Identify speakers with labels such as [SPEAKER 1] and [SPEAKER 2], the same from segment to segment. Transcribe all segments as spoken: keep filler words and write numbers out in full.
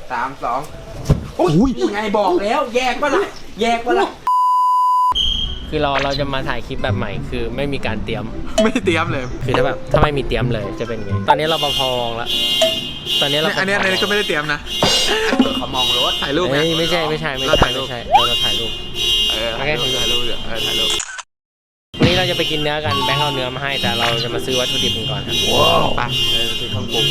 [SPEAKER 1] สามสองอุ้ยไงบอกแล้วแยกปะล่ะแยกปะล่ะ
[SPEAKER 2] คือเราเราจะมาถ่ายคลิปแบบใหม่คือไม่มีการเตรียม
[SPEAKER 3] ไม่เตรียมเลย
[SPEAKER 2] คือถ้าแบบถ้าไม่มีเตรียมเลยจะเป็นไงตอนนี้เราปภมองแล้วตอนนี้เรา
[SPEAKER 3] อันนี้อันนี้ก็ไม่ได้เตรียมนะ
[SPEAKER 1] เขามองรถ
[SPEAKER 3] ถ่ายรูปไง
[SPEAKER 2] ไม่ใช่ไม่ใช่ไม่ใช่ไม่ใช่เราเราถ่ายรูป
[SPEAKER 3] เออถ่ายรูปถ่ายรูปเดี๋ยวเออถ่ายรูป
[SPEAKER 2] วันนี้เราจะไปกินเนื้อกันแบงค์เอาเนื้อมาให้แต่เราจะมาซื้อวัตถุดิบกันก่อนครับว้าวไปเราซื้อเครื่องปรุง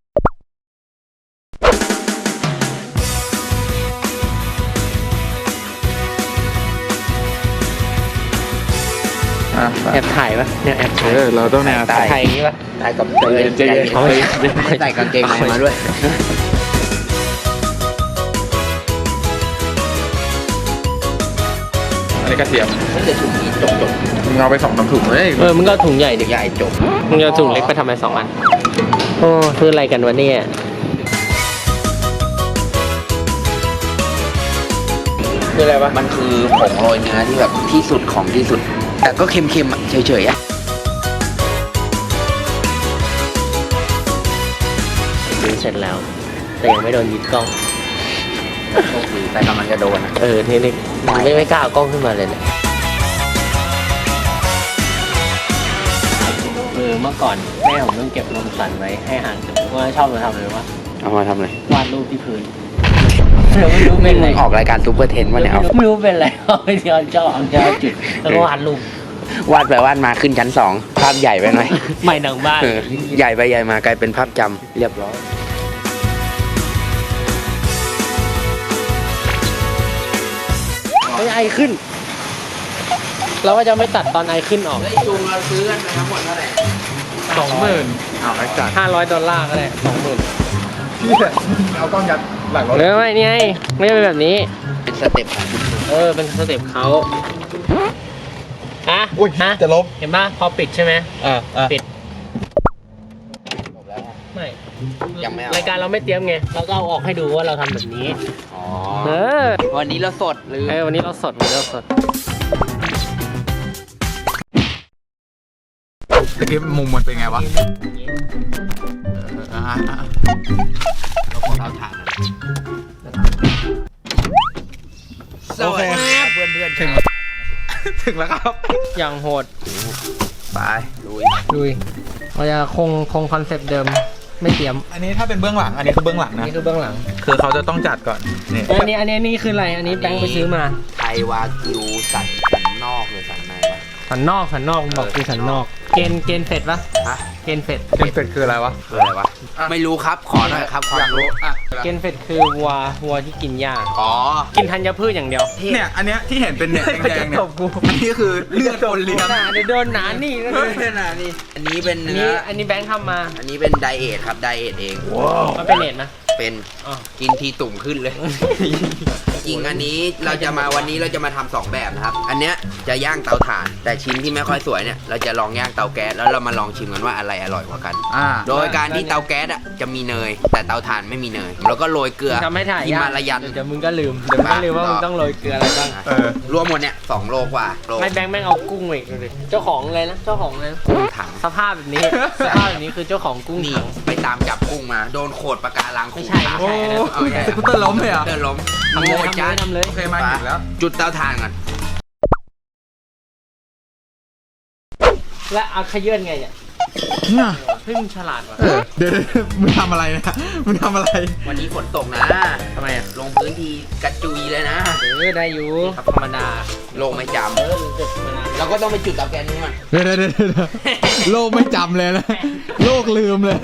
[SPEAKER 2] แอบถ่ายปะเนี่ยแอบถ่าย
[SPEAKER 3] เราต้องแอบถ่าย
[SPEAKER 2] ถ่ายอย่างนี้ปะ
[SPEAKER 1] ถ่ายกับใจเย็นใจเย็นเขาไม่ใส่กางเกงในมาด้วย
[SPEAKER 3] อันนี้กระเทียม
[SPEAKER 1] ไม่ได้ถุงนี้จบจบ
[SPEAKER 3] มึงเอาไปสองน้ำถุงเลย
[SPEAKER 2] เออมึงก็ถุงใหญ่ดิ
[SPEAKER 1] ใหญ่จบ
[SPEAKER 2] มึงเอาถุงเล็กไปทำไมสองอันโอ้คืออะไรกันวะเนี่ยคืออะไรวะ
[SPEAKER 1] มันคือผงโรยเนื้อที่แบบที่สุดของที่สุดแต่ก็เค็มๆอ่ะเฉยๆอ่ะ
[SPEAKER 2] ซื้อเสร็จแล้วแต่ยังไม่โดนยึดกล้อง
[SPEAKER 1] โชคดีแต่กำลังจะโดนอ่ะ
[SPEAKER 2] เออนี่นี่ไม่ไม่กล้าเอากล้องขึ้นมาเลยเนี่ยเออเมื่อก่อนแม่ผมต้องเก็บนมสันไว้ให้ห่างจากว่าชอบมาทำเลยวะ
[SPEAKER 1] เอามาทำอะไร
[SPEAKER 2] วาดรูปที่พื้นไม่รู้เป็นอะไร
[SPEAKER 1] ออกรายการซูเปอร์เทนมาเนี่ย
[SPEAKER 2] ไม่รู้เป็นอะไรเอาไปเที่ยวเจ้าของเจ้าจุดแล้วก็วาดรูป
[SPEAKER 1] วาดไปวาดมาขึ้นชั้นสองภาพใหญ่ไปหน่อย
[SPEAKER 2] ไม่หนังบ้าน
[SPEAKER 1] ใหญ่ไปใหญ่มากลายเป็นภาพจำเรียบร้อย
[SPEAKER 2] ไอขึ้นเราก็จะไม่ตัดตอนไอขึ้นออก
[SPEAKER 1] จูงเราซื้อกันไปทั้งหมดเท่าไหร่
[SPEAKER 3] สองหมื่นเอาไปจัด
[SPEAKER 2] ห้าร้อยดอลลาร์ก็ได้สองหมื่น
[SPEAKER 3] พี่เอากล้องยัดหลังรถ
[SPEAKER 2] เลยไม่นี่ไงไม่เป็นแบบนี้
[SPEAKER 1] เป็นสเต็ปของคุณ
[SPEAKER 2] เออเป็นสเต็ปเขาฮะ
[SPEAKER 3] อุ้ย
[SPEAKER 2] ฮะ
[SPEAKER 3] จะลบ
[SPEAKER 2] เห็นป่ะพอปิดใช่ไหม
[SPEAKER 3] อ่า
[SPEAKER 2] ปิดไม่รายการเราไม่เตรียมไงเราก็เอาออกให้ดูว่าเราทำแบบนี้
[SPEAKER 1] อ๋อ
[SPEAKER 2] เออ
[SPEAKER 1] วันนี้เราสดหรือ
[SPEAKER 2] เออวันนี้เราสดวันนี้เราสด
[SPEAKER 3] เมื่อกี้มุมมันเป็นไงวะ
[SPEAKER 1] เราขอเราถ่านสวัสดีครับเพื่อนเพื่อน
[SPEAKER 3] ถึงถึงแล้วครับ
[SPEAKER 2] อย่างโหด
[SPEAKER 1] ไปลุย
[SPEAKER 2] ลุยเราจะคงคงคอนเซปต์เดิมไม่เตรียม
[SPEAKER 3] อันนี้ถ้าเป็นเบื้องหลังอันนี้คือเบื้องหลังนะ
[SPEAKER 2] นี่คือเบื้องหลัง
[SPEAKER 3] คือเขาจะต้องจัดก่อน
[SPEAKER 2] นี่อันนี้อันนี้นี่คืออะไรอันนี้แบงค์ไปซื้อมา
[SPEAKER 1] ไทยวากิวสันสันนอกหรือสันในวะ
[SPEAKER 2] สันนอกสันนอกบอกคือสันนอกเกณฑ์เกณฑ์เฟดปะ
[SPEAKER 1] ฮะ
[SPEAKER 2] เกณฑ์เฟด
[SPEAKER 3] เกณฑ์เฟดคืออะไรวะ
[SPEAKER 1] คืออะไรวะไม่รู้ครับขอหน่อยครับความรู้
[SPEAKER 2] เกณฑ์เฟดคือวัววัวที่กินหญ้า
[SPEAKER 1] อ๋อ
[SPEAKER 2] กินธัญพืชอย่างเดียว
[SPEAKER 3] เนี่ยอันเนี้ยที่เห็นเป็นเนี่ยแดงๆเนี่ยอันนี้คือเลือดคนเลี้ยง
[SPEAKER 2] เดี๋ยวโดนหนานี่
[SPEAKER 1] ก็โดนหนานี่อันนี้เป็นเนื้อ
[SPEAKER 2] อันนี้แบงค์ทำมา
[SPEAKER 1] อันนี้เป็นไดเอทครับไดเอทเอง
[SPEAKER 2] มันเป็นเอทนะ
[SPEAKER 1] เป็นกินทีตุ่มขึ้นเลยจริงอันนี้เราจะมาวันนี้เราจะมาทำสองแบบนะครับอันเนี้ยจะย่างเตาถ่านแต่ชิ้นที่ไม่ค่อยสวยเนี่ยเราจะลองย่างเตาแก๊สแล้วเรามาลองชิมกันว่าอะไรอร่อยกว่ากันโดยการที่เตาแก๊สอ่ะจะมีเนยแต่เตาถ่านไม่มีเนยแล้วก็โรยเกลือ
[SPEAKER 2] ฮิ
[SPEAKER 1] มาลายัน
[SPEAKER 2] เดี๋ยวมึงก็ลืมเดี๋ยวมึงก็ลืมว่ามึงต้องโรยเกลืออะไรบ้าง
[SPEAKER 1] รวมหมดเนี่ยสองโลกว่า
[SPEAKER 2] ไม่แบงค์แม่งเอากุ้งอีกเลยเจ้าของเลยนะเจ้าของเลย
[SPEAKER 1] กุ้งถัง
[SPEAKER 2] สภาพแบบนี้สภาพแบบนี้คือเจ้าของกุ้งถัง
[SPEAKER 1] ไปตามจับกุ้งมาโดนโขดปะการัง
[SPEAKER 2] ไม่ใช่ไม่ใช่
[SPEAKER 3] สกูตเตอร์ล้มเลยอ่ะ
[SPEAKER 1] สกูตเตอร์ล้ม
[SPEAKER 2] ทำเลยทำเลยทำเลย
[SPEAKER 3] โอเคมาถึงแล้ว
[SPEAKER 1] จุดเตาถ่านก่อน
[SPEAKER 2] และเอาขยื่นไงเนี่ย
[SPEAKER 3] น่ะ
[SPEAKER 2] เฮ้ยมึงฉลาดว่ะ
[SPEAKER 3] เดี๋ยวมึงทำอะไรนะมึงทำอะไร
[SPEAKER 1] วันนี้ฝนตกนะ
[SPEAKER 2] ทำไมอ่ะ
[SPEAKER 1] ลงพื้นที่กระจุยเลยนะ
[SPEAKER 2] เออได้อยู่ธรรมดา
[SPEAKER 1] ลงไม่จำเออเราก็ต้องไปจุดเตาแก๊สนี้มัน
[SPEAKER 3] เดี๋ยวเดี๋ยวโลกไม่จำเลยนะโลกลืมเลย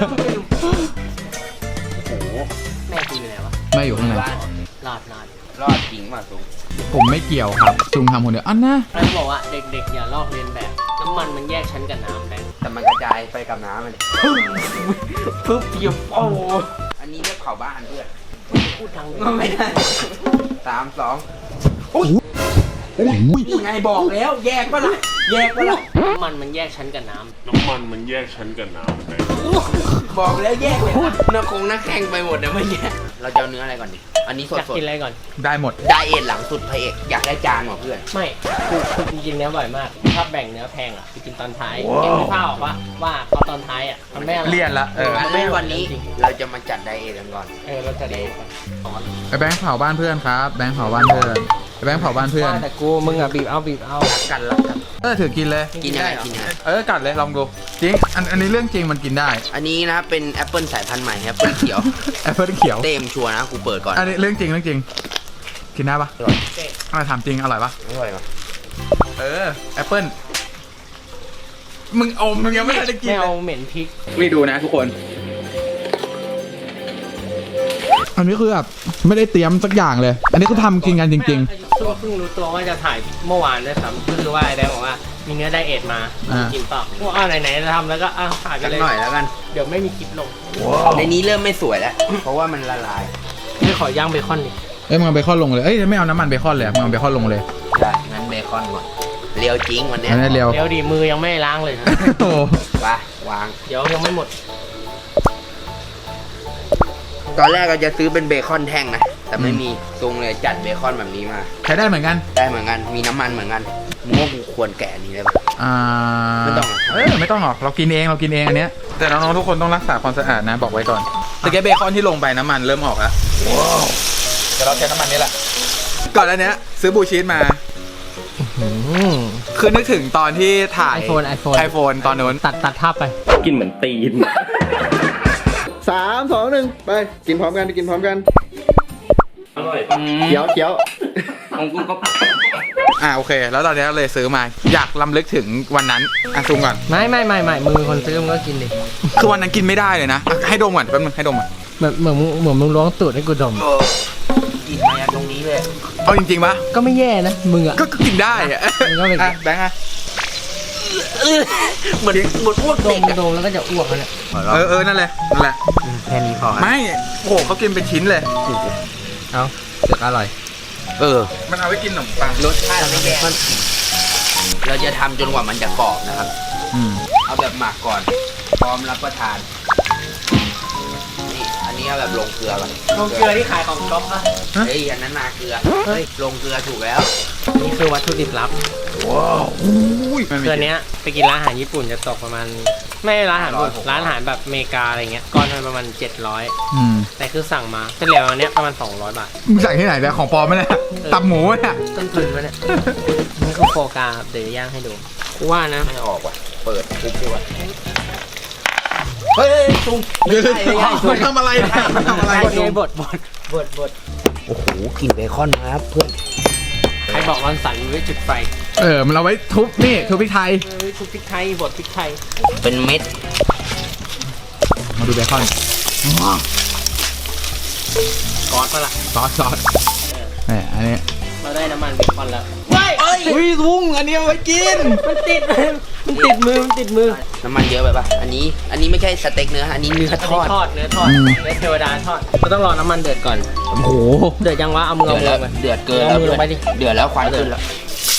[SPEAKER 2] โอ้โหแม่กูอยู่ไหนวะ
[SPEAKER 3] แม่อยู่ข้างใน
[SPEAKER 2] รอดรอด
[SPEAKER 1] รอดจริงมาสูง
[SPEAKER 3] ผมไม่เกี่ยวครับซุงทำคนเดียวอันนะ
[SPEAKER 2] เขาบอกว่าเด็กๆอย่าลอกเลียนแบบน้ำมันมันแยกชั้นกับน้ำแบงค์
[SPEAKER 1] แต่มันกระจายไปกับน้ำมัน
[SPEAKER 2] ปึ๊บเดียวโอ้
[SPEAKER 1] อันนี้เรียกเผาบ้านเพื่อน
[SPEAKER 2] พูดทาง
[SPEAKER 1] ไม่ได้สามสอง
[SPEAKER 3] อุ้ย
[SPEAKER 1] ไงบอกแล้วแยกปะล่ะแยกปะล่ะ
[SPEAKER 2] น้ำมันมันแยกชั้นกับน้ำ
[SPEAKER 4] น้ำมันมันแยกชั้นกับน้ำไป
[SPEAKER 1] บอกแล้วแยกเลยพูดนักคงนักแข่งไปหมดนะเมื่อกี้เราจะเอาเนื้ออะไรก่อนดิอันนี้ส
[SPEAKER 2] อยาก
[SPEAKER 1] ด
[SPEAKER 2] กินอะไรก่อน
[SPEAKER 3] ได้หมด
[SPEAKER 1] ๆไดเอทหลังสุดพระเอกอยากได้จานกว่าเพื่อน
[SPEAKER 2] ไม่กูกูกินกินเนื้อบ่อยมากถ้าแบ่งเนื้อแพงอ่ะไปกินตอนท้ายเก็บไม่ผ้าออกว่าว่าเขาตอนท้ายอ่ะมันไม่อร่อย
[SPEAKER 3] เลี่ยนละเออ
[SPEAKER 1] อันนี้วันนี้เราจะมาจัดไดเอทกันก่อน
[SPEAKER 2] เออเราจะได้
[SPEAKER 3] ไอ้แบงค์เผาบ้านเพื่อนครับแบงค์เผาบ้านเพื่อนไอ้แบงค์เผาบ้านเพื่อน
[SPEAKER 2] ว่าแต่กูมึงอ่ะบีบเอาบีบเอา
[SPEAKER 1] รักกันรักกัน
[SPEAKER 3] เออถือกินเลย
[SPEAKER 1] กินยังไงกินยังไง
[SPEAKER 3] เออกัดเลยลองดูจริงอันอันนี้เรื่องจริงมันกินได้
[SPEAKER 1] อันนี้นะครับเป็นแอปเปิลสายพันธุ์ใหม่แอปเปิลเขียว
[SPEAKER 3] แอปเปิลเขียว
[SPEAKER 1] เต็มชัวร์นะกูเปิดก่อน
[SPEAKER 3] อันนี้เรื่องจริงเรื่องจริง กินได้ปะ
[SPEAKER 1] อร่อย
[SPEAKER 3] อะไรถามจริงอร่อยปะ
[SPEAKER 1] อร่อยปะ
[SPEAKER 3] เออแอปเปิลมึงอมมึงยังไม่ทันได้กิน
[SPEAKER 2] ไม่
[SPEAKER 3] เล
[SPEAKER 2] เอา
[SPEAKER 3] ย
[SPEAKER 2] เหม็นพริก
[SPEAKER 3] นี่ดูนะทุกคน อันนี้คือแบบไม่ได้เตรียมสักอย่างเลย อันนี้คือทำกินกันจริง
[SPEAKER 2] ๆเพิ่งรู้ตัวว่าจะถ่ายเมื่อวานด้วยซ้ำก็คือว่าไอ้แดงบอกว่ามีเนื้อไดเอทมา
[SPEAKER 3] อ่า
[SPEAKER 2] กินเปล่าพวกอ้าวไหนๆจะทำแล้วก็อ้าวถ่ายไป
[SPEAKER 1] สัก
[SPEAKER 2] เลย
[SPEAKER 1] หน่อยแล้วกัน
[SPEAKER 2] เดี๋ยวไม่มีคลิปลง
[SPEAKER 1] ในนี้เริ่มไม่สวยแล้ว เพราะว่ามันละลาย
[SPEAKER 2] ไม่ขอย่างเบคอนดิ
[SPEAKER 3] ๆ เอ้ยมึงเอาเบคอนลงเลย เอ้ยไม่เอาน้ำมันเบคอนเลยมึงเอาเบคอนลงเลย
[SPEAKER 1] ได้งั้นเบคอนก่อนเรียวจริงวันเนี้ย
[SPEAKER 3] อันนี้เร็ว
[SPEAKER 2] เดี๋ยวดิมือยังไม่ล้างเลยนะ
[SPEAKER 3] โอ้โห
[SPEAKER 1] ไปวาง
[SPEAKER 2] เดี๋ยวยังไม่หมด
[SPEAKER 1] ตอนแรกเราจะซื้อเป็นเบคอนแท่งนะ แต่ไม่มีตรงเลยจัดเบคอนแบบนี้มา
[SPEAKER 3] ใช้ได้เหมือนกัน
[SPEAKER 1] ได้เหมือนกัน มีน้ำมันเหมือนกันมึงว่ากูควรแกะอันนี้เลยปะ
[SPEAKER 3] อ่า
[SPEAKER 1] ไม่ต้องหรอก
[SPEAKER 3] เออไม่ต้องหรอกเรากินเองเรากินเองอันเนี้ยแต่น้องๆทุกคนต้องรักษาความสะอาดนะบอกไว้ก่อนแต่แกเบคอนที่ลงไปน้ำมันเริ่มออกแล้วเดี๋ยวเราใช้น้ำมันนี่แหละก่อนอันเนี้ยซื้อบูชีสมาคือนึกถึงตอนที่ถ่าย
[SPEAKER 2] iPhone iPhone
[SPEAKER 3] ไอโฟนตอนนู้น
[SPEAKER 2] ตัดตัดภาพไป
[SPEAKER 4] กินเหมือนตีน
[SPEAKER 5] สามสองหนึ่งไปกินพร้อมกันกินพร้อมกัน
[SPEAKER 4] อร่อย
[SPEAKER 5] เขียวเขียว
[SPEAKER 4] ของกูก็
[SPEAKER 3] อ่าโอเค แล้วตอนนี้เลยซื้อมา อยากลำลึกถึงวันนั้นอ่ะซูมก่อน
[SPEAKER 2] ไม่ไม่ไม่ไม่มือคนซื้อมึงก็กินดิ
[SPEAKER 3] คือวันนั้นกินไม่ได้เลยนะอ่ะให้ดมก่อนแป๊บนึงให้ดมก่อน
[SPEAKER 2] เหมือนเหมือนมึงเหมือนมึงล้วงตูดให้กูดม
[SPEAKER 1] เออกินมาจากตรงนี้เลย
[SPEAKER 3] เอาจริงๆปะ
[SPEAKER 2] ก็ไม่แย่นะมึงอ่ะ
[SPEAKER 3] ก็ก็กินได้อะ
[SPEAKER 2] มันก็เป็น
[SPEAKER 3] อ่ะแบงค์อ่ะ
[SPEAKER 1] เหมือนเหมือนอ้วก
[SPEAKER 2] ด
[SPEAKER 1] เด็
[SPEAKER 2] ม
[SPEAKER 1] กอะ
[SPEAKER 2] ดมแล้วก็จะอ้วกแล้วเนี่ย
[SPEAKER 3] เออเออนั่นแหละนั่นแหละ
[SPEAKER 1] แค่นี้พอ
[SPEAKER 3] ไม่โอ้โหเขากินเป็นชิ้นเลย
[SPEAKER 2] เอาเสือกอร่อย
[SPEAKER 1] เออ
[SPEAKER 3] มันเอาไว้กินขนมปัง
[SPEAKER 1] รสชาติไม่แย่เราจะทำจนกว่ามันจะกรอบนะครับ
[SPEAKER 3] อืม
[SPEAKER 1] เอาแบบหมักก่อน พร้อมรับประทาน นี่ อันนี้เอาแบบลงเกลือก่อน
[SPEAKER 2] ลงเกลือที่ขายของก๊อฟนะ
[SPEAKER 1] เฮ้ย อันนั้นนาเกลือ เฮ้ย ลงเกลือถูกแล้ว
[SPEAKER 2] นี่คือวัตถุดิบลับ
[SPEAKER 3] อุ้ยมันมี
[SPEAKER 2] เกลือเนี้ยไปกินร้านอาหารญี่ปุ่นจะตกประมาณ ไม่ร้านอาหารญี่ปุ่นร้านอาหารแบบอเมริกาอะไรเงี้ยก้อนละประมาณเจ็ดร้อย
[SPEAKER 3] อืม
[SPEAKER 2] แต่คือสั่งมาเฉลี่ยวันเนี้ยประมาณสองร้อยบาท
[SPEAKER 3] มึงสั่งที่ไหนเนี่ยของปลอมไหมเนี่ยตับหมูเนี่ย
[SPEAKER 2] ต้นทุนวะเนี่ยนี่คือโฟกาครับเดี๋ยวย่างให้ดูกูว่านะ
[SPEAKER 1] ไม่ออกว่ะ เปิดปุ๊บดีกว่าเฮ้ยซุ่มไม่ใช่ไม่ใช่
[SPEAKER 3] มันทำอะไรเนี่ยมันทำอะไร
[SPEAKER 2] บดไงบดบดบดบด
[SPEAKER 1] โอ้โหกลิ่นเบคอนมาครับเพื่อน
[SPEAKER 2] ใครบอกร้อนสันไว้จุดไฟ
[SPEAKER 3] เออมันเอาไว้ทุบนี่ทุบพริกไทย
[SPEAKER 2] เอ้ยทุบพริกไทยบดพริกไทย
[SPEAKER 1] เป็นเม็ด
[SPEAKER 3] มาดูเบคอน
[SPEAKER 2] ก้อนปะล่ะ
[SPEAKER 3] ซอสซอสเนี่ยอันนี้
[SPEAKER 2] เราได้น้ำมันเบคอนแล้วเฮ้ย
[SPEAKER 3] อุ้ยลุงอันนี้เอาไว้กิน
[SPEAKER 2] มันติดมันติดมือมันติดมือ
[SPEAKER 1] น้ำมันเยอะไปปะอันนี้ อันนี้ไม่ใช่สเต็กเนื้อ อันนี้เนื้อ
[SPEAKER 2] อัน
[SPEAKER 1] ท
[SPEAKER 2] นี้
[SPEAKER 1] อด
[SPEAKER 2] ทอดเนื้อทอด
[SPEAKER 3] อืม
[SPEAKER 2] เนื้อเทวดาทอดเราต้องรอน้ำมันเดือดก่อน
[SPEAKER 3] โอ้โห
[SPEAKER 2] เดือดยังวะเอามือ
[SPEAKER 1] เดื
[SPEAKER 2] เอา
[SPEAKER 1] อด
[SPEAKER 2] มื
[SPEAKER 1] แล้ว
[SPEAKER 2] อไป
[SPEAKER 1] เดือดเกิน
[SPEAKER 2] เอา
[SPEAKER 1] แล้ว
[SPEAKER 2] มือลงไปดิ
[SPEAKER 1] เดือดแล้วควันขึ้นแล้ว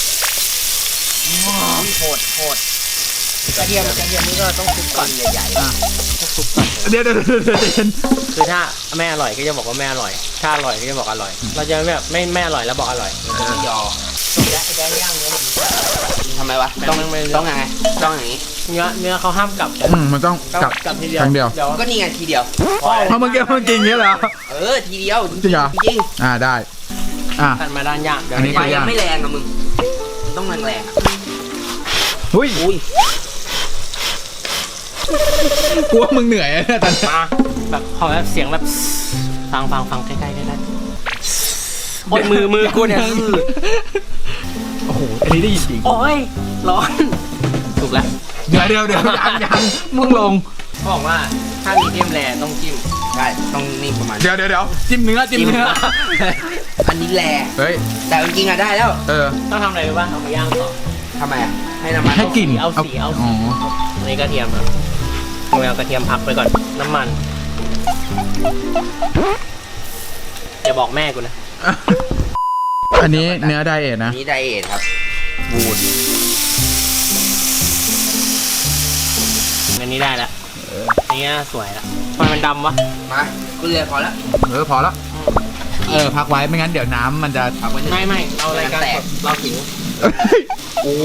[SPEAKER 2] โหดโหดกระเทียมกระเทียมนี่ก็ต้องคลุกก่อนใหญ่ๆต้องคลุกก่อน
[SPEAKER 3] เดี๋ยวเดี๋ยวเดี๋ยวเดี๋ยวเดี๋ยว
[SPEAKER 2] คือถ้าไม่อร่อยก็จะบอกว่าไม่อร่อย ถ้าอร่อยก็จะบอกอร่อย เราจะแบบไม่ไม่อร่อยแล้วบอกอร่อย
[SPEAKER 1] ไม่ยอ
[SPEAKER 2] จบแล้วไอ้แดงย่างเนื้อ
[SPEAKER 1] ทำไมวะ ต้อง
[SPEAKER 2] ไม่ไม่
[SPEAKER 1] ต้องยังไง ต้องอย่างนี้
[SPEAKER 2] เนื้อเนื้อเขาห้ามกลับ
[SPEAKER 3] อืมมันต้องกลับ
[SPEAKER 2] กลับทีเดียว
[SPEAKER 3] ครั้งเดียว
[SPEAKER 2] เดี๋ยว
[SPEAKER 1] ก็นี่ไงทีเดียว
[SPEAKER 3] เพราะเมื่อกี้มันกินอย่างนี้เหรอ
[SPEAKER 1] เออ ทีเดียว
[SPEAKER 3] จริงเหรอ
[SPEAKER 1] จริง
[SPEAKER 3] อ่าได้ อ่ะ
[SPEAKER 2] ตัดมาด้านย่างเดี๋ยว
[SPEAKER 3] อันนี้
[SPEAKER 1] ไฟยังไม่แรงอะมึง ต้องแรงๆอะ
[SPEAKER 3] อุ้ย
[SPEAKER 1] อุ้ย
[SPEAKER 3] กลัวมึงเหนื่อยอะเนี่ยตอนนี้
[SPEAKER 2] มาแบบขอแบบเสียงแบบฟังฟังฟังใกล้ๆใกล้ๆโอ้ยมือมือกูเนี่ย
[SPEAKER 3] โอ้โห อันนี้ได้ยินจริง
[SPEAKER 2] โอ้ยร้อนถูกแล้ว
[SPEAKER 3] เดี๋ยวเดี๋ยวเดี๋ยวยังยังมึงลง
[SPEAKER 2] เขาบอกว่าถ้ามีเดียมแรต้องจิ้ม
[SPEAKER 1] ใช่ ต้องนี่ประมาณ
[SPEAKER 3] เดี๋ยวเดี๋ยวเดี๋ยวจิ้มเนื้อจิ้มเนื้อ
[SPEAKER 1] อันนี้แรง
[SPEAKER 3] เฮ้ย
[SPEAKER 1] แต่จริงๆอะได้แล้ว
[SPEAKER 3] เออ
[SPEAKER 2] ต้องทำอะไรรู้ป่ะเอามาย่างต่อ
[SPEAKER 1] ทำไมอะให้น้ำมัน
[SPEAKER 3] ให้กลิ่น
[SPEAKER 2] เอาสีเอาสี
[SPEAKER 3] อ๋อ
[SPEAKER 2] อันนี้กระเทียมครับเอากระเทียมพักไปก่อนน้ำมันอย่าบอกแม่กูนะ
[SPEAKER 3] อันนี้เนื้อไดเอท
[SPEAKER 1] อั
[SPEAKER 3] นะ
[SPEAKER 1] นนี้ไดเอทครับ บูด
[SPEAKER 2] อันนี้ได้แล้วอย่างเงี้ยสวยละทำไมมันดำวะ
[SPEAKER 1] มาก็เลยพอแล้ว
[SPEAKER 3] เออพอแล้วเออพักไว้ไม่งั้นเดี๋ยวน้ำมันจะ
[SPEAKER 1] เอาไว้
[SPEAKER 2] ไม่ไม่เรารายการ
[SPEAKER 1] แต
[SPEAKER 2] ส
[SPEAKER 1] ก
[SPEAKER 2] ดเราถึง
[SPEAKER 3] โอ้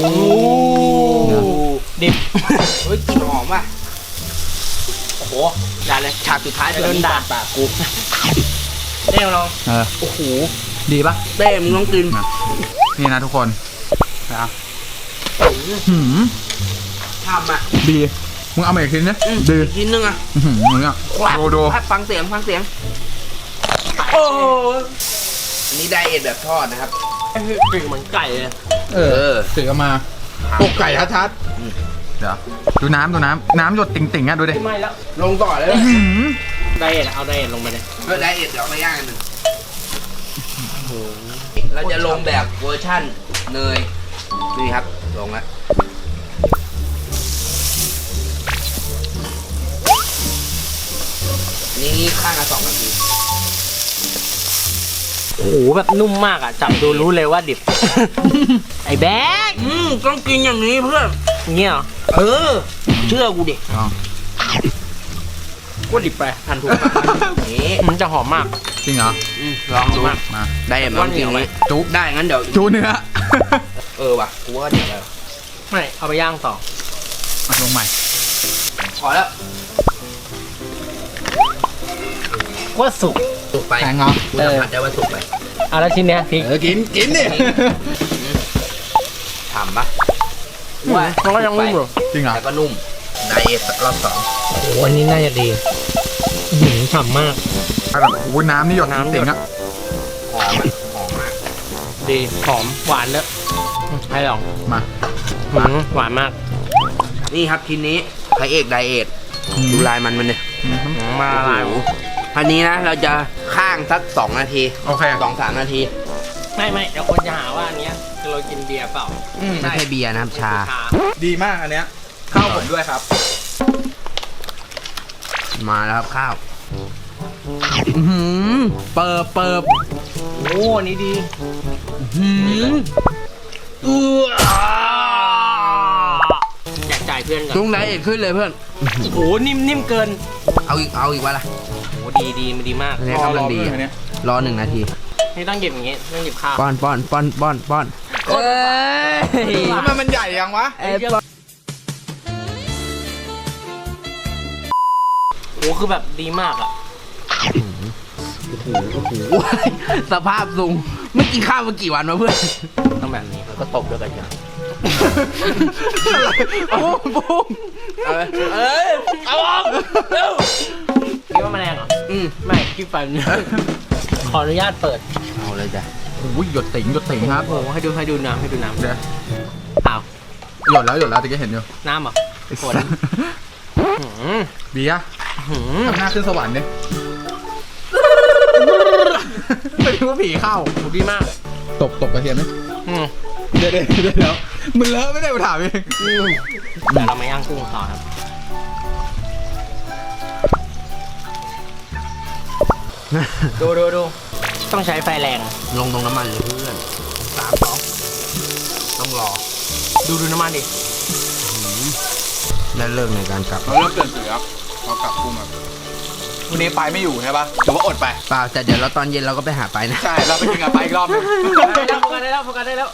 [SPEAKER 2] ดิบ
[SPEAKER 1] เฮ้ยกลิ่นหอมว่ะ
[SPEAKER 2] โอ้โหอย่าเลย
[SPEAKER 1] ฉากสุดท้าย
[SPEAKER 2] โดนด่า
[SPEAKER 1] ปากกู
[SPEAKER 2] เด้งลอง
[SPEAKER 3] เออ
[SPEAKER 1] โอ้โห
[SPEAKER 3] ดีปะ
[SPEAKER 1] เต้มึงต้องกิน
[SPEAKER 3] นี่นะทุกคนนะหืม
[SPEAKER 1] ทำอ่ะ
[SPEAKER 3] ดีมึงเอามาอีกทีนะ
[SPEAKER 1] อืม
[SPEAKER 3] ดี
[SPEAKER 1] อีกชิ้นนึงอ่ะ
[SPEAKER 3] อื้อหือมึงอ่ะ
[SPEAKER 1] ครับ
[SPEAKER 3] ดูดู
[SPEAKER 1] ครับฟังเสียงฟังเสียงโอ้อันนี้ไดเอทแบบทอดนะครับ
[SPEAKER 2] กลิ่นเหมือนไก่เลย
[SPEAKER 3] เออถือมาตกไก่ชัด
[SPEAKER 1] อืม
[SPEAKER 3] ๆเดี๋ยวดูน้ำดูน้ำน้ำหยดติ่งๆอ่ะดูดิ
[SPEAKER 2] ไม่แล้ว
[SPEAKER 1] ลงต่อเลย
[SPEAKER 3] อื้อหือ
[SPEAKER 2] ไดเอทเอาไดเอทลงไปเลย
[SPEAKER 1] เพื่อไดเอทเดี๋ยวเอามาย่างกันหนึ่งเราจะลงแบบเวอร์ชั่นเนยนี่ครับลงแล้วนี่ข้างละสองนาที
[SPEAKER 2] โอ้โหแบบนุ่มมากอ่ะจับดูรู้เลยว่าดิบ ไอ้แบ๊ก
[SPEAKER 1] อืมต้องกินอย่างนี้เพื่อน
[SPEAKER 2] เงี้ยเหรอ
[SPEAKER 1] เออ เชื่อกูดิ
[SPEAKER 3] ลอง
[SPEAKER 2] ก็ดิบไปทันถูก
[SPEAKER 1] นี่
[SPEAKER 2] มันจะหอมมาก
[SPEAKER 3] จริงเหรอ
[SPEAKER 1] อืมลองดู
[SPEAKER 2] มาก
[SPEAKER 3] มา
[SPEAKER 1] ได้เห็นไหมต้องกินอย่างนี้
[SPEAKER 3] จุ๊บ
[SPEAKER 1] ได้งั้นเดี๋ยว
[SPEAKER 3] จูเนื้อ
[SPEAKER 1] เออว่ะกูว่าเดี๋ยวแล้ว
[SPEAKER 2] ไม่เอาไปย่างต่อ
[SPEAKER 3] มาลงใหม่
[SPEAKER 1] พอแล้ว
[SPEAKER 2] ว่าสุก
[SPEAKER 1] สุกไป
[SPEAKER 3] แข็งเหรอ
[SPEAKER 1] กูสัมผัสได้ว่าสุกไป
[SPEAKER 2] เอาแล้วชิ้นเนี้ยพริก
[SPEAKER 3] เออกินกินดิ
[SPEAKER 1] ทำปะ
[SPEAKER 2] ว่ามันก็ยังนุ่มอยู่
[SPEAKER 3] จริงเหรอ
[SPEAKER 1] แล้วก็นุ่มไดเอทรอบสอง
[SPEAKER 2] โอ้โหอันนี้น่าจะดีอื้อหือฉ่ำมาก
[SPEAKER 3] แบบโอ้ยน้ำนี่หยด
[SPEAKER 2] น้ำหยด
[SPEAKER 3] ติ่งๆอ่ะ
[SPEAKER 1] หอมอะหอมมาก
[SPEAKER 2] ดีหอมหวานเนอะให้ลอง
[SPEAKER 3] มา
[SPEAKER 2] หืมหวานมาก
[SPEAKER 1] นี่ครับทีนี้พระเอกไดเอทดูลายมันมันเนี่ย
[SPEAKER 3] อืม
[SPEAKER 2] หืมมาละลาย
[SPEAKER 1] โอ้โหอันนี้นะเราจะข้างสักสองนาที
[SPEAKER 3] โอเค
[SPEAKER 1] สองสามนาที
[SPEAKER 2] ไม่ไม่เดี๋ยวคนจะหาว่าอันเนี้ยคือเรากินเบียร์เปล่า
[SPEAKER 3] อืม
[SPEAKER 1] ไม่ใช่เบียร์นะครับชา
[SPEAKER 2] ชา
[SPEAKER 3] ดีมากอันเนี้ยเข้าผมด้วยครับ
[SPEAKER 1] มาแล้วครับข้าวอื้อหือเปิบเปิบ
[SPEAKER 2] โอ้อันนี้ดี
[SPEAKER 1] หืมอื้อ
[SPEAKER 2] อยากจ่ายเพื่อนก่อน
[SPEAKER 1] ตรงไดเอทขึ้นเลยเพื่อน
[SPEAKER 2] โอ้โหนิ่มนิ่มเกิน
[SPEAKER 1] เอาอีกเอาอีกวะล่ะ
[SPEAKER 2] โอ้ดีดีมันดีมาก
[SPEAKER 1] อันนี้กำลังดี
[SPEAKER 3] รอรอ
[SPEAKER 1] อะ
[SPEAKER 3] เพื่อนอันเนี้ย
[SPEAKER 1] รอหนึ่งนาที
[SPEAKER 2] นี่ต้องหยิบอย่างงี้ต้องหยิบข้าว
[SPEAKER 1] ป้อนป้อนป้อนป้อนป้อนเอ้ย
[SPEAKER 3] ทำไมมันใหญ่ยังวะ
[SPEAKER 1] เอ้ยป้อน
[SPEAKER 2] โอ้คือแบบดีมากอ่ะ
[SPEAKER 1] ว้ายสภาพซุงไม่กินข้าวมากี่วันวะเพื่อน
[SPEAKER 2] ต้องแบบนี้แล้วก็ตบด้วยกันจ้ะ
[SPEAKER 1] ปุ้มปุ้มเอ้ยเอ้ยเอาออกเร็ว
[SPEAKER 2] คิดว่ามันแรงเหรอ
[SPEAKER 1] อืม
[SPEAKER 2] ไม่คิดไปขออนุญาตเปิด
[SPEAKER 1] เอาเลยจ้ะ
[SPEAKER 3] โอ้ยหยดติ่งหยดติ่งครับ
[SPEAKER 2] โอ้โหให้ดูให้ดูน้ำให้ดูน้ำ
[SPEAKER 3] เดี๋ยว
[SPEAKER 2] อ้าว
[SPEAKER 3] หยดแล้วหยดแล้วตะกี้เห็นอยู่
[SPEAKER 2] น้ำเหรอฝนหืม
[SPEAKER 3] เบียร์
[SPEAKER 2] หืม
[SPEAKER 3] ทำหน้าขึ้นสวรรค์ดิไม่รู้ว่าผีเข้า
[SPEAKER 2] โหดีมาก
[SPEAKER 3] ตบตบกระเทียมไหม
[SPEAKER 2] อืม
[SPEAKER 3] เดี๋ยวเดี๋ยวเดี๋ยวเดี๋ยวมึงเลอะไม่ได้กูถามเอง
[SPEAKER 2] แต่เรามาย่างกุ้งต่อครับดูดูดูต้องใช้ไฟแรง
[SPEAKER 1] ลงตรงน้ำมันเลยเพื่อนสามสองต้องรอ
[SPEAKER 2] ดูดูน้ำมันดิ
[SPEAKER 1] และเลิกในการกลับ
[SPEAKER 3] เราเริ่มเปลี่ยนสีแล้วเรากลับกุ้งแบบวันนี้ไปไม่อยู่ใช่ปะหรือว่าอดไป
[SPEAKER 1] เปล่าแต่เดี๋ยวเราตอนเย็นเราก็ไปหาไปนะ
[SPEAKER 3] ใช่ เราไปกินกับไปอีกรอบหนึง
[SPEAKER 2] ได้แล้วโฟกัสได้แล้วโฟกัสได้แล้ว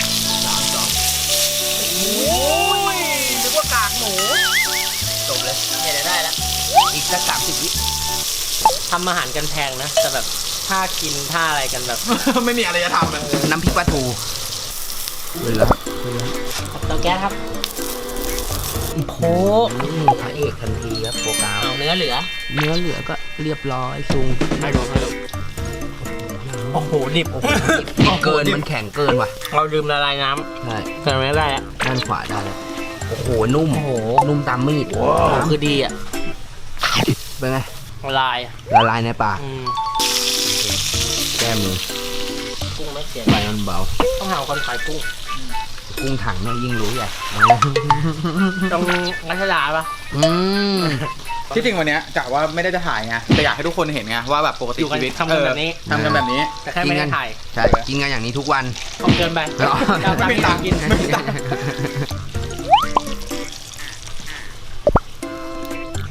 [SPEAKER 2] โอ้ยนึกว่ากากหมู
[SPEAKER 1] จบเลย
[SPEAKER 2] เนี่ยเดี๋ยวได้แล้ว
[SPEAKER 1] อีกสักสามสิบวิ
[SPEAKER 2] ทำอาหารกันแพงนะแต่แบบถ้ากินท่าอะไรกันแบบ
[SPEAKER 3] ไม่มีอะไรจะทำเลย
[SPEAKER 1] น้ำพริกปลาทูเลยแล้ว
[SPEAKER 2] กับเตาแก๊สครับโค
[SPEAKER 1] อืมพระเอกทันทีครับโปรกราว
[SPEAKER 2] เอาเนื้อเหลือ
[SPEAKER 1] เนื้อเหลือก็เรียบร้อยซุง
[SPEAKER 2] ให้ดูให้ดูโอ้โหดิบ
[SPEAKER 1] ดิบเกินมันแข็งเกินว่ะ
[SPEAKER 2] เราดื่มละลายน้
[SPEAKER 1] ใช่
[SPEAKER 2] ำแต่ไม่ได้อะ
[SPEAKER 1] ด้านขวาได้แล้วโอ้โหนุ่ม
[SPEAKER 2] โอ้โห
[SPEAKER 1] นุ่มตามมีด
[SPEAKER 2] โอ้โหคือดีอ่ะ
[SPEAKER 1] เป็นไง
[SPEAKER 2] ละลายอะ
[SPEAKER 1] ละลายในปาก
[SPEAKER 2] อืม
[SPEAKER 1] แก้มือ
[SPEAKER 2] กุ้งไม่เสีย
[SPEAKER 1] ไฟมันเบา
[SPEAKER 2] ต้องหาคนขายกุ้ง
[SPEAKER 1] กุ้งถังแม่งยิ่งรู้ใหญ่
[SPEAKER 2] ตรงรัชดาปะ
[SPEAKER 1] อืม
[SPEAKER 3] ที่จริงวันเนี้ยกะว่าไม่ได้จะถ่ายไงแต่อยากให้ทุกคนเห็นไงว่าแบบปกติ
[SPEAKER 2] อยู่กัน
[SPEAKER 3] ชีวิต
[SPEAKER 2] ทำกันแบบนี้
[SPEAKER 3] เออทำกันแบบนี้
[SPEAKER 2] แต่แค่ไม่ได้ถ่าย
[SPEAKER 1] ใช่กินกันอย่างนี้ทุกวัน
[SPEAKER 2] ต้องเกินไป
[SPEAKER 1] อ๋อ
[SPEAKER 2] เราตัง
[SPEAKER 3] ไม่
[SPEAKER 2] ค์
[SPEAKER 3] ตังค์
[SPEAKER 2] กิน
[SPEAKER 3] ไม่มีตังค์
[SPEAKER 2] โอ้โห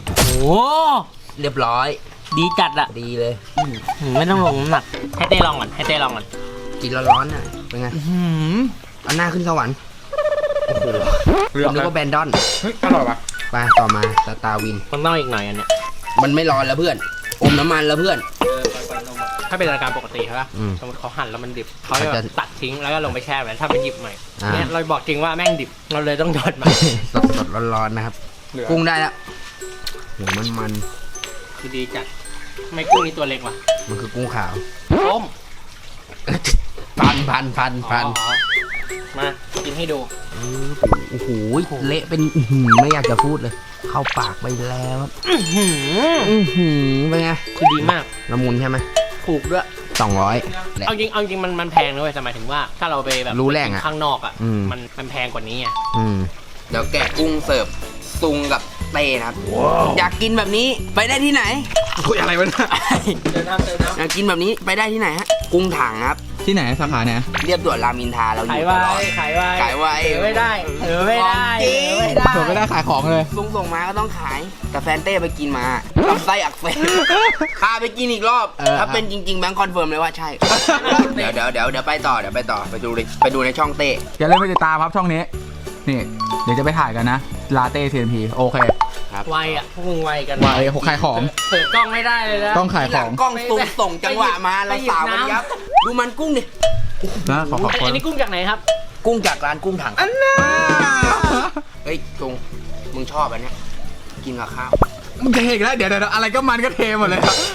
[SPEAKER 1] เรียบร้อย
[SPEAKER 2] ดีจัดอะ
[SPEAKER 1] ดีเลย
[SPEAKER 2] อืมไม่ต้องลงน้ำหนักให้เต้ลองก่อนให้เต้ลองก่อน
[SPEAKER 1] กินร้อนๆน่ะเป็นไง
[SPEAKER 3] หืม
[SPEAKER 1] เอาหน้าขึ้นสวรรค์โอ้โห
[SPEAKER 3] เลือก
[SPEAKER 1] นึก
[SPEAKER 3] แล้ว
[SPEAKER 1] ว่าแบนดอน
[SPEAKER 3] เฮ้ยอร่อยปะ
[SPEAKER 1] ไปต่อมาสตาร์วิน
[SPEAKER 2] มันต้องอีกหน่อยอันเนี้ย
[SPEAKER 1] มันไม่ร้อนแล้วเพื่อนอมน้ำมันแล้วเพื่อน
[SPEAKER 2] ถ้าเป็นรายการปกติใช่ปะ
[SPEAKER 1] อืม
[SPEAKER 2] สมมติเขาหั่นแล้วมันดิบเขา
[SPEAKER 1] เขา
[SPEAKER 2] จะ
[SPEAKER 1] จะ
[SPEAKER 2] ตัดทิ้งแล้วก็ลงไปแช่ไว้ถ้าไปหยิบใหม่
[SPEAKER 1] อ่า
[SPEAKER 2] เนี่ยเราบอกจริงว่าแม่งดิบเราเลยต้องหยอดมา
[SPEAKER 1] สดสดๆร้อนๆนะครับ
[SPEAKER 3] เหลือ
[SPEAKER 1] กุ้งได้แล้วโหมันมัน
[SPEAKER 2] คือดีจัดไม่กุ้งนี่ตัวเล็กว่ะ
[SPEAKER 1] ๆมันคือกุ้งขาว
[SPEAKER 2] ต้ม
[SPEAKER 1] พันพันพันพัน
[SPEAKER 2] อ๋อมากินให้ดู
[SPEAKER 1] โอ้โหเละเป็นอื้อหือไม่อยากจะพูดเลย เข้าปากไปแล้วครับ
[SPEAKER 2] อื้อหือ
[SPEAKER 1] อื้อหือเป็นไง
[SPEAKER 2] คือดีมาก
[SPEAKER 1] ละมุนใช่ไหม
[SPEAKER 2] ถูกด้วย
[SPEAKER 1] สองร้อย
[SPEAKER 2] เอาจริงเอาจริงมันมันแพงนะเว้ยแต่หมายถึงว่าถ้าเราไปแบบ
[SPEAKER 1] รู้แรงอะ
[SPEAKER 2] ข้างนอกอ่ะ
[SPEAKER 1] อืม
[SPEAKER 2] มันมันแพงกว่านี้ไง
[SPEAKER 1] อืมเดี๋ยวแกะกุ้งเสิร์ฟซุงกับเต้นะครับ อยากกินแบบนี้ไปได้ที่ไหน
[SPEAKER 3] คุยอะไรวะเนี่ย
[SPEAKER 2] เดินน้ำเดินน้
[SPEAKER 1] อยากกินแบบนี้ไปได้ที่ไหนฮะกุ้งถังครับ
[SPEAKER 3] ที่ไหนสาขาไหน
[SPEAKER 1] เรียบด่วนรามอินทราเราอ
[SPEAKER 2] ขาย
[SPEAKER 1] ยู่
[SPEAKER 2] ไว
[SPEAKER 1] ตลอด
[SPEAKER 2] ขายไว
[SPEAKER 1] ขายไว
[SPEAKER 2] เออไม่ได้เออไม่ได้
[SPEAKER 1] ของจริง
[SPEAKER 2] เออไม่ได้
[SPEAKER 3] ส่วนไม่ได้ขายของเลย
[SPEAKER 1] ซุงส่งมาก็ต้องขายแต่แฟนเต้ไปกินมาลำไส้อักเสบพาไปกินอีกรอบ
[SPEAKER 3] เออ
[SPEAKER 1] ถ้าเป็นจริงๆแบงค์คอนเฟิร์มเลยว่าใช่ เดี๋ยวเดี๋ยวเดี๋ยวเดี๋ยวไปต่อเดี๋ยวไปต่อไปดูในไปดูในช่องเต้
[SPEAKER 3] อย่าลืมไปติดตามครับช่องนี้ นี่ เดี๋ยวจะไปถ่ายกันนะ ลาเต้ ซี เอ็น พี โอเค
[SPEAKER 2] ไวอ่ะพวกมึงไวกัน
[SPEAKER 3] ไวเขาขายของ
[SPEAKER 2] เปิดกล้องไม่ได้เลยนะ
[SPEAKER 3] ต้องขาย
[SPEAKER 1] ที่
[SPEAKER 3] ข
[SPEAKER 1] หลั
[SPEAKER 3] อง ง
[SPEAKER 1] กล้องซุงส่งจังหวะมาเราสาวกันยับดูมันกุ้งดิ
[SPEAKER 3] นะขอขอบคุ
[SPEAKER 2] อั
[SPEAKER 3] ณ
[SPEAKER 2] นนี้กุ้งจากไหนครับ
[SPEAKER 1] กุ้งจากร้านกุ้งถังอันน่าเฮ้ยจุงมึงชอบอันเนี้ยกินกับข้าว
[SPEAKER 3] มึงเทอีกแล้ว เดี๋ยวเดี๋ยวอะไรก็มันก็เทหมดเลยครับ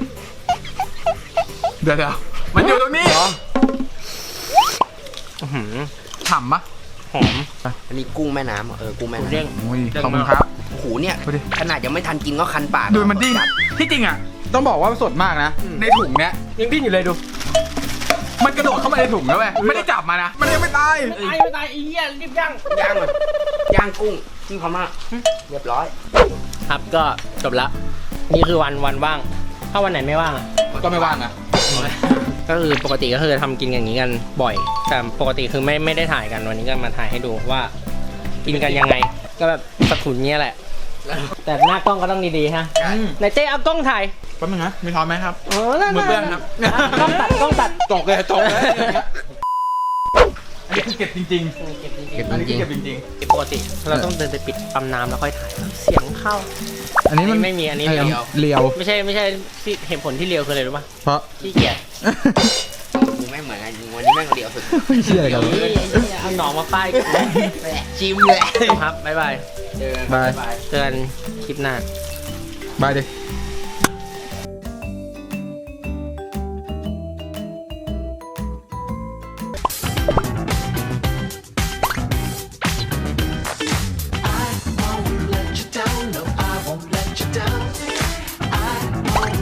[SPEAKER 3] เดี๋ยวเดี๋ยวมันอยู่ตรงนี้
[SPEAKER 2] อื้อหือ
[SPEAKER 3] ฉ่ำปะ
[SPEAKER 2] หอม
[SPEAKER 1] อันนี้กุ้งแม่น้ำเหรอเออกุ้งแม่
[SPEAKER 2] เด้ง
[SPEAKER 1] น้ำ
[SPEAKER 3] อุ้ยขอบคุณครับ
[SPEAKER 1] โอ้โหเนี่ย
[SPEAKER 3] ดูดิ
[SPEAKER 1] ขนาดยังไม่ทันกินก็คันปาก
[SPEAKER 3] ดูมันดิ้น ที่จริงอ่ะ ต้องบอกว่าสดมากนะ ในถุงเนี้ย
[SPEAKER 2] ยังดิ้นอยู่เลยดู
[SPEAKER 3] มันกระโดดเข้ามาในถุงแล้วเว้ยไม่ได้จับมานะ มันยังไม่ตาย
[SPEAKER 2] ตายไม่ตายไอ้เหี้ยรีบย่าง
[SPEAKER 1] ย่างเลยย่างกุ้งที่พม่าเรียบร้อย
[SPEAKER 2] ครับก็จบละนี่คือวันวันว่าง ถ้าวันไหนไม่ว่างอะ
[SPEAKER 3] ก็ไม่ว่างนะ
[SPEAKER 2] ก็คือปกติก็คือทำกินอย่างนี้กันบ่อย แต่ปกติคือไม่ไม่ได้ถ่ายกันวันนี้ก็มาถ่ายให้ดูว่า กินกันยังไง ก็แบบสะทุนเนี้ยแหละ แต่หน้ากล้องก็ต้องดีๆฮะ
[SPEAKER 3] อืม
[SPEAKER 2] ไหนเจ๊เอากล้องถ่าย
[SPEAKER 3] แป๊บนึงนะมีทอนไหมครับ
[SPEAKER 2] เออนั่น
[SPEAKER 3] มือเปื้อนครับ
[SPEAKER 2] อ่ะกล้องตัดกล้องตัด
[SPEAKER 3] ตกเลยตกเลยอันนี้คือเก็บจริง
[SPEAKER 2] เก็บจริง
[SPEAKER 1] เก็บ
[SPEAKER 3] ๆ อันนี้คือเก็บจริง
[SPEAKER 2] ๆเก็บปกติ เราต้องเดินไปปิดปั๊มน้ำแล้วค่อยถ่าย เสียงเข้า
[SPEAKER 3] ๆ อันนี้มัน
[SPEAKER 2] ไม่มีอันนี้
[SPEAKER 3] เรี
[SPEAKER 2] เรี
[SPEAKER 3] ย
[SPEAKER 2] ยว ว
[SPEAKER 3] เรียว
[SPEAKER 2] ไม่ใช่ไม่ใช่ที่เหตุผลที่เรียวคืออะไรรู้ป่ะ
[SPEAKER 3] เพราะ
[SPEAKER 2] ขี้เกียจ
[SPEAKER 1] กูไม่เหมือนกันจริงวันนี้แม่งเดียวสุด
[SPEAKER 3] เชื่ออะไรกัน
[SPEAKER 2] นี่เอาหนองมาป้ายกู
[SPEAKER 1] ชิมเลย
[SPEAKER 2] ครับบ๊ายบาย
[SPEAKER 1] เจอกัน
[SPEAKER 3] บาย
[SPEAKER 1] บาย
[SPEAKER 2] เจอกันคลิปหน้า
[SPEAKER 3] บายดิ
[SPEAKER 1] บ